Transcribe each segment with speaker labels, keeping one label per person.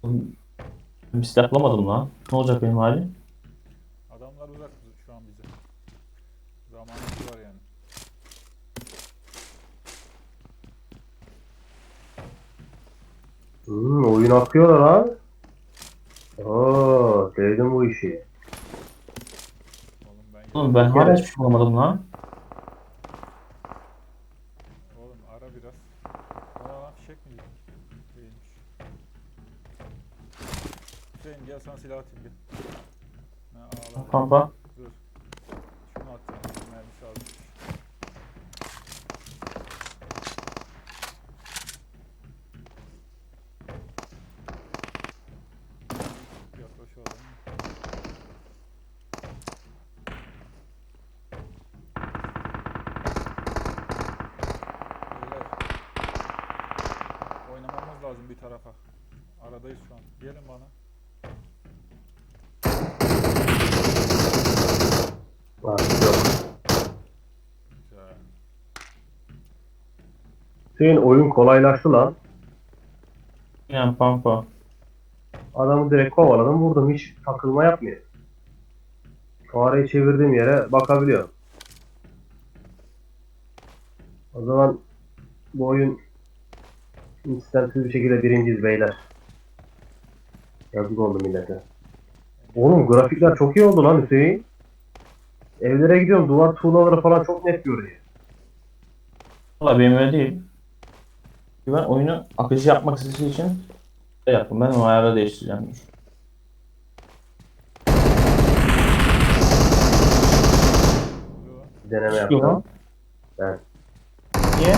Speaker 1: Bir silah bulamadım lan. Ne olacak benim halim?
Speaker 2: Adamlar uzak şu an bize. Zamanımız var yani.
Speaker 3: Oyun akıyor lan. Oo, sevdim bu işi.
Speaker 2: Oğlum ben
Speaker 1: Oğlum
Speaker 2: yedim.
Speaker 1: ben
Speaker 3: Bir
Speaker 1: hala
Speaker 3: kere
Speaker 1: hiçbir şey bulamadım lan.
Speaker 2: Oğlum ara biraz. Bana lan fişek mi yedik? Değilmiş. Hüseyin gel sana silah atayım bir. Ha ağla.
Speaker 1: Pampa.
Speaker 2: Dur. Şunu atacağım. Mermisi almış. Yaklaş oğlum. Beyler. Oynamamız lazım bir tarafa. Aradayız şu an. Gelin bana.
Speaker 3: var yok.
Speaker 2: Güzel.
Speaker 3: Senin oyun kolaylaştı lan.
Speaker 1: Yani pampa.
Speaker 3: Adamı direkt kovaladım vurdum hiç takılma yapmıyor. Fareyi çevirdiğim yere bakabiliyor. O zaman bu oyun istemsiz bir şekilde birinciyiz beyler. Yazık oldu millete. Oğlum grafikler çok iyi oldu lan Hüseyin. Evlere gidiyorum duvar tuğlaları falan çok net görünüyor.
Speaker 1: Valla benim öyle değil. Ben oyunu akıcı yapmak istediği için şey yaptım. Ben o ayarı değiştireceğim.
Speaker 2: Oluyor lan.
Speaker 3: Deneme
Speaker 1: Çıkıyor
Speaker 3: yaptım.
Speaker 1: lan.
Speaker 3: Ben.
Speaker 1: Niye?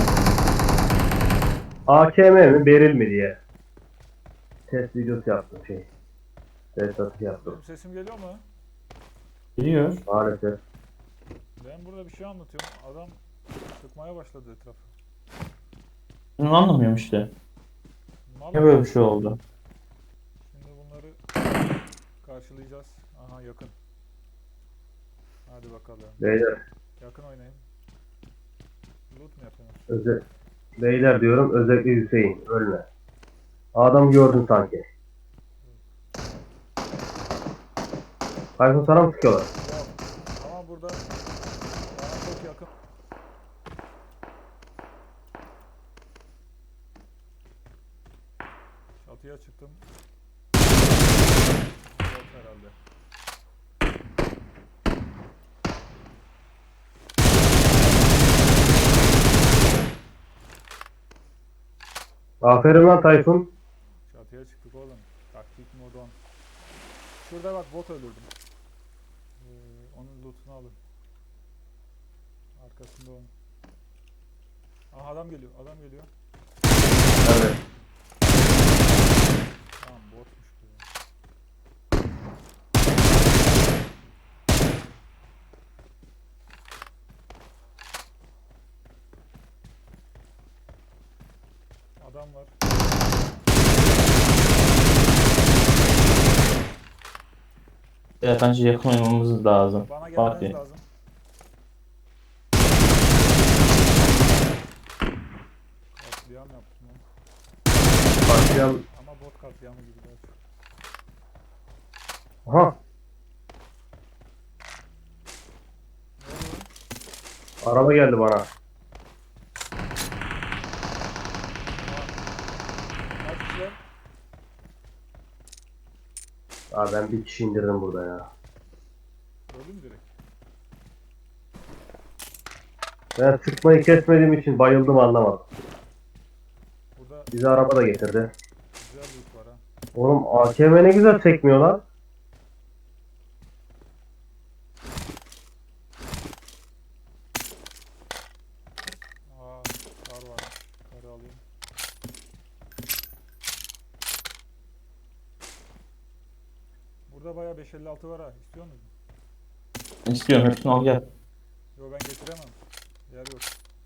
Speaker 3: AKM mi beril mi diye. Test videosu yaptım şey. Test atışı yaptım.
Speaker 2: Benim sesim geliyor mu?
Speaker 1: Biliyor.
Speaker 3: Maalesef.
Speaker 2: Ben burada bir şey anlatıyorum. Adam sıkmaya başladı etrafı.
Speaker 1: Bunu anlamıyorum işte.
Speaker 2: Mal
Speaker 1: Niye böyle bir şey oldu?
Speaker 2: Şimdi bunları karşılayacağız. Aha yakın. Hadi bakalım.
Speaker 3: Beyler,
Speaker 2: Yakın oynayın. Loot mu yapıyorsunuz?
Speaker 3: beyler diyorum özellikle Hüseyin ölme. Adam gördün sanki. Tayfun sana mı sıkıyorlar?
Speaker 2: Yok. Ama burada bana çok yakın. Çatıya çıktım. Yok herhalde.
Speaker 3: Aferin lan Tayfun.
Speaker 2: Çatıya çıktık oğlum. Taktik modon. Şurada bak bot öldürdüm. Onun lootunu alın. Arkasında onun. Aha adam geliyor. Adam geliyor.
Speaker 3: Nerede?
Speaker 2: Tamam botmuş bu ya. Adam var.
Speaker 1: Evet, bence yakın oynamamız lazım.
Speaker 2: Bana gelmeniz
Speaker 1: Fatih.
Speaker 2: lazım. Katliam yaptım lan.
Speaker 3: Başlayalım.
Speaker 2: Ama bot katliamı gibi daha çok.
Speaker 3: Aha.
Speaker 2: Ne oluyor lan?
Speaker 3: Araba geldi bana.
Speaker 2: Kaç kişiler?
Speaker 3: Aa, ben bir kişi indirdim burada ya.
Speaker 2: Öldüm direkt.
Speaker 3: Ben sıkmayı kesmediğim için bayıldım anlamadım.
Speaker 2: Burada
Speaker 3: Bizi araba da getirdi.
Speaker 2: güzel loot var ha.
Speaker 3: Oğlum AKM ne güzel sekmiyor lan.
Speaker 2: Aa, kar var. Karı alayım. Burada bayağı 556 var ha. İstiyor musun?
Speaker 1: İstiyorum, hepsini al gel.
Speaker 2: Yo ben getiremem. Yer yok.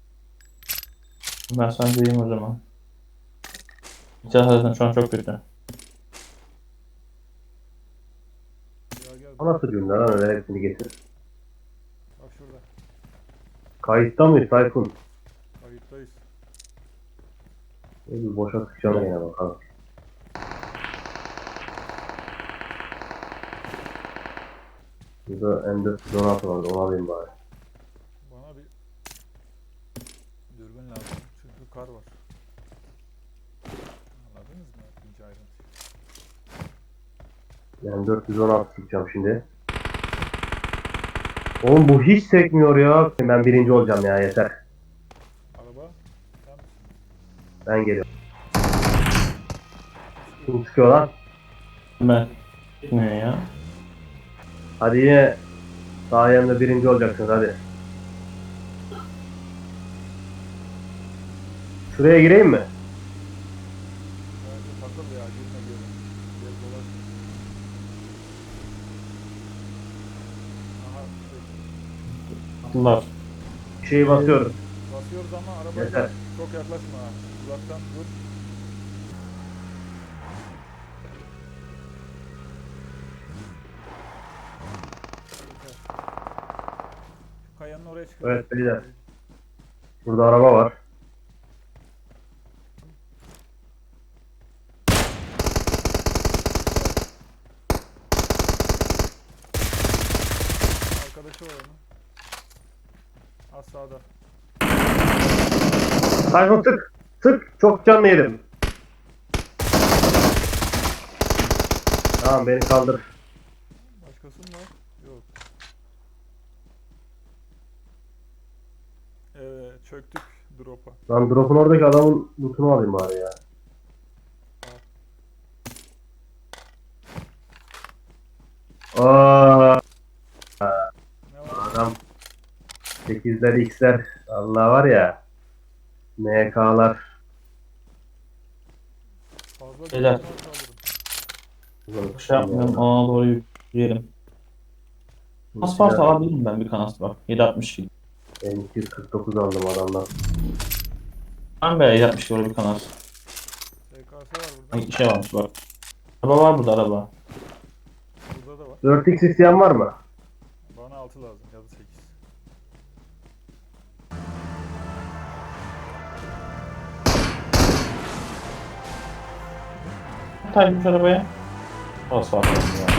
Speaker 1: Ben sana diyeyim o zaman. Silah zaten şu an çok kötü.
Speaker 2: Gel gel.
Speaker 3: O nasıl cümle lan öyle hepsini getir.
Speaker 2: Bak şurada.
Speaker 3: Kayıtta mıyız Tayfun?
Speaker 2: Kayıttayız.
Speaker 3: Bir boşa sıkacağım yine bakalım. Burada M416 var. Onu alayım bari.
Speaker 2: Bana bir dürbün lazım. Çünkü kar var. Anladınız mı? İnce ayrıntı.
Speaker 3: M416 tutacağım şimdi. Oğlum bu hiç sekmiyor ya. Ben birinci olacağım ya, yeter.
Speaker 2: Araba. Sen misin?
Speaker 3: Ben geliyorum. Kim sıkıyor lan?
Speaker 1: Ben. Gitmiyor ya.
Speaker 3: Hadi yine sayemde birinci olacaksınız hadi. Şuraya gireyim mi?
Speaker 2: Bence takıl ya. Girme geri. Geri dolaş. Aha.
Speaker 1: Attılar.
Speaker 3: Bir şeyi basıyorum.
Speaker 2: Basıyoruz ama arabaya
Speaker 3: Yeter.
Speaker 2: çok yaklaşma. Ha. Uzaktan dur. Yeter. Şu kayanın oraya çıkıyor.
Speaker 3: Evet beyler. Burada araba var.
Speaker 2: Arkadaşı var onun. Az sağda.
Speaker 3: Tayfun sık. Sık. Çok canlı yedim. Tamam beni kaldır.
Speaker 2: Başkası mı var? Yok. Evet, çöktük drop'a.
Speaker 3: Lan drop'un oradaki adamın lootunu alayım bari ya. Aa,
Speaker 2: Ne var?
Speaker 3: adam 8'ler X'ler Allah var ya. MK'lar.
Speaker 2: Fazla
Speaker 1: Beyler.
Speaker 2: drop'unu kaldırın.
Speaker 1: Şey yapmıyorum. Ona doğru yürüyelim. Kas varsa alabilirim ben bir kanat var. 7.62.
Speaker 3: Ben 249 aldım adamdan.
Speaker 1: Ben be 7.62 doğru bir kanat.
Speaker 2: SKS var burada.
Speaker 1: Hangi şey varmış bak. Araba var burada araba.
Speaker 2: Burada da var.
Speaker 3: 4X isteyen var mı?
Speaker 2: Bana 6 lazım ya da 8.
Speaker 1: Taymış arabaya. Pas var.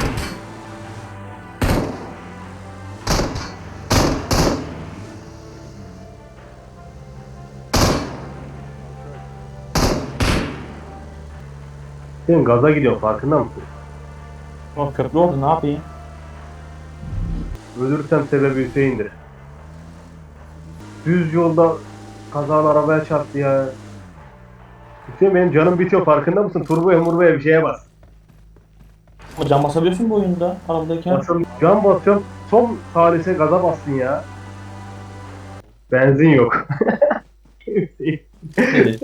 Speaker 3: Sen gaza gidiyorsun farkında mısın?
Speaker 1: O köprü oldu ne yapayım?
Speaker 3: Ölürsem sebebi Hüseyin'dir. Düz yolda kazalı arabaya çarptı ya. Hüseyin benim canım bitiyor farkında mısın? Turboya murboya bir şeye bas.
Speaker 1: Ama cam basabiliyorsun bu oyunda arabadayken.
Speaker 3: Nasıl can basıyorum son salise gaza bastın ya. Benzin yok. Hüseyin.
Speaker 1: Evet.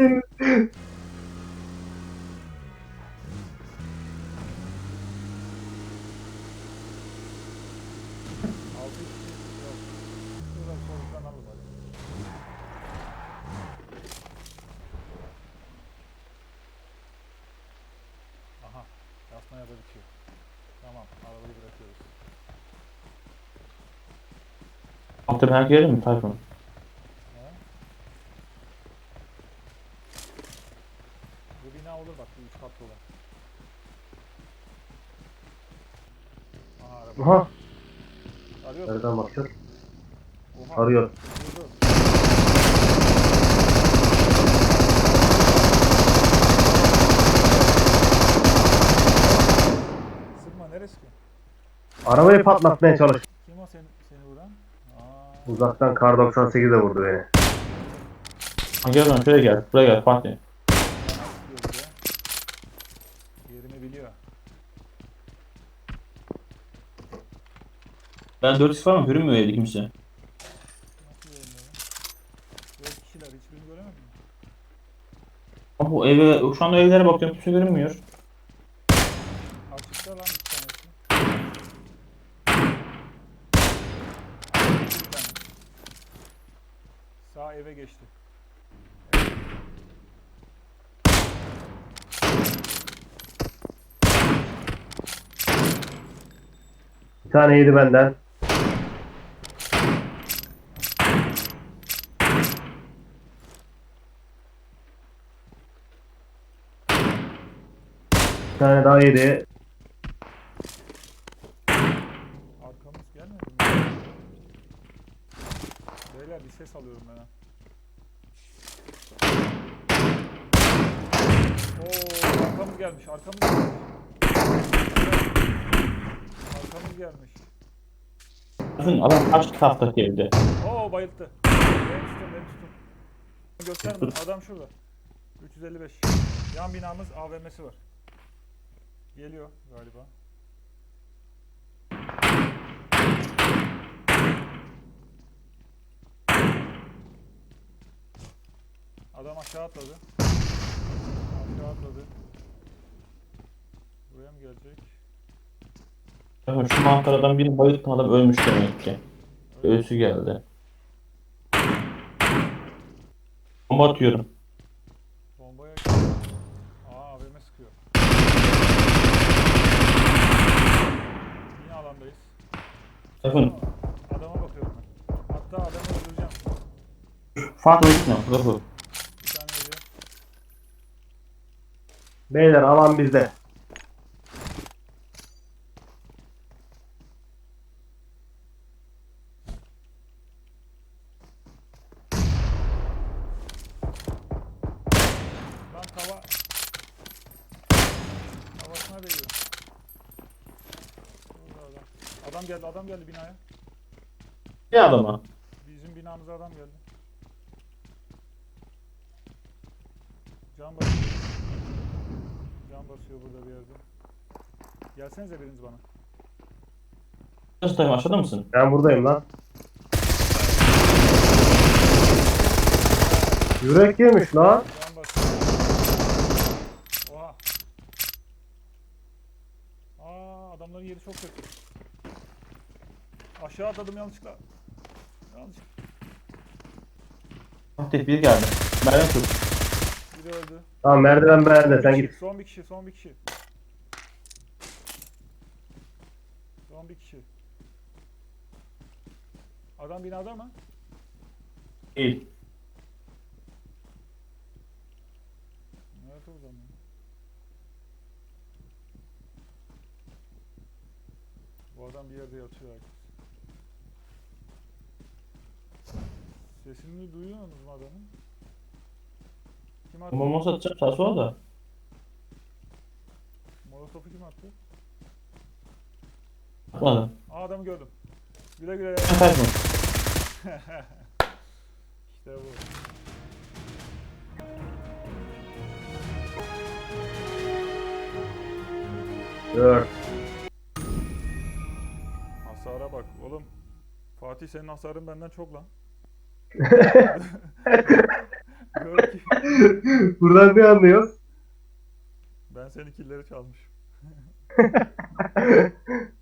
Speaker 2: 6 kişi yok. Şuradan soluktan alın hadi. Aha. Yasmaya da bitiyor. Tamam. Arabayı bırakıyoruz.
Speaker 1: Altta bir herkes gelir mi Tayfun?
Speaker 2: He? Bu bina olur bak. Bu 3 katlı olan. Aha araba.
Speaker 3: Aha.
Speaker 2: Arıyorsun.
Speaker 3: Nereden bakacağız?
Speaker 2: Oha.
Speaker 3: Arıyor.
Speaker 2: Dur, dur. Sıkma neresi ki?
Speaker 3: Arabayı patlatmaya çalış.
Speaker 2: Kim o seni vuran? Aa,
Speaker 3: Uzaktan kar 98 de vurdu beni.
Speaker 1: Ha, gel lan şuraya gel. Buraya gel Fatih.
Speaker 2: bana sıkıyor bir de. Yerimi biliyor.
Speaker 1: Ben 4 falan görünmüyor evde kimse.
Speaker 2: Nasıl yerimi lan? 4 kişiler hiçbirini göremedim mi?
Speaker 1: Ama bu eve, şu anda evlere bakıyorum kimse görünmüyor.
Speaker 2: Açıkta lan bir tanesi. Bir tane. Sağ eve geçti.
Speaker 3: Bir tane yedi benden. Bir tane daha yedi.
Speaker 2: Arkamız ses alıyorum ben ha. Oo, arkamız gelmiş, arkamız gelmiş. Arkamız gelmiş.
Speaker 1: Bakın adam kaç taftaki evde.
Speaker 2: Oo, bayılttı. Beni tutun. Gösterme, adam şurada. 355. Yan binamız AVM'si var. Geliyor galiba. Adam aşağı atladı. Aşağı atladı. Buraya mı gelecek?
Speaker 1: Bakın şu manzaradan biri bayılttım, adam ölmüş demek ki. Ölüsü geldi. Bomba atıyorum.
Speaker 2: Bombaya... AVM sıkıyor. Yine alandayız.
Speaker 1: Bakın
Speaker 2: Adama bakıyorum ben. Hatta adamı öldüreceğim.
Speaker 1: Fatih Öztürk. Bakın.
Speaker 2: Bir tane yedi.
Speaker 3: Beyler alan bizde.
Speaker 2: Lan havasına değiyor. Burada adam. Adam geldi binaya.
Speaker 1: Bir adama.
Speaker 2: Bizim binamıza adam geldi. Can basıyor. Can basıyor burada bir yerde. Gelsenize biriniz bana.
Speaker 1: Öztürk aşağıda mısın?
Speaker 3: Ben buradayım lan. Yürek yemiş lan.
Speaker 2: Can basıyor. Oha. Adamların yeri çok kötü. Aşağı atladım yanlışlıkla.
Speaker 1: Fatih bir geldi. Merve tut.
Speaker 2: Biri öldü.
Speaker 3: Tamam merdiven bende sen git.
Speaker 2: Son bir kişi. Son bir kişi. Adam binada mı?
Speaker 1: Değil.
Speaker 2: Nerede o zaman? Bu adam bir yerde yatıyor herkes. Sesini duyuyor musunuz mu adamın? Kim attı?
Speaker 1: Bomba atacağım sağa sola da.
Speaker 2: Molotof'u kim attı?
Speaker 1: Atmadım.
Speaker 2: Adamı gördüm. Güle güle.
Speaker 1: Kaçma.
Speaker 2: İşte bu.
Speaker 3: Dört.
Speaker 2: Hasara bak oğlum. Fatih senin hasarın benden çok lan. Gör ki
Speaker 3: Buradan ne anlıyoruz?
Speaker 2: ben senin killeri çalmışım.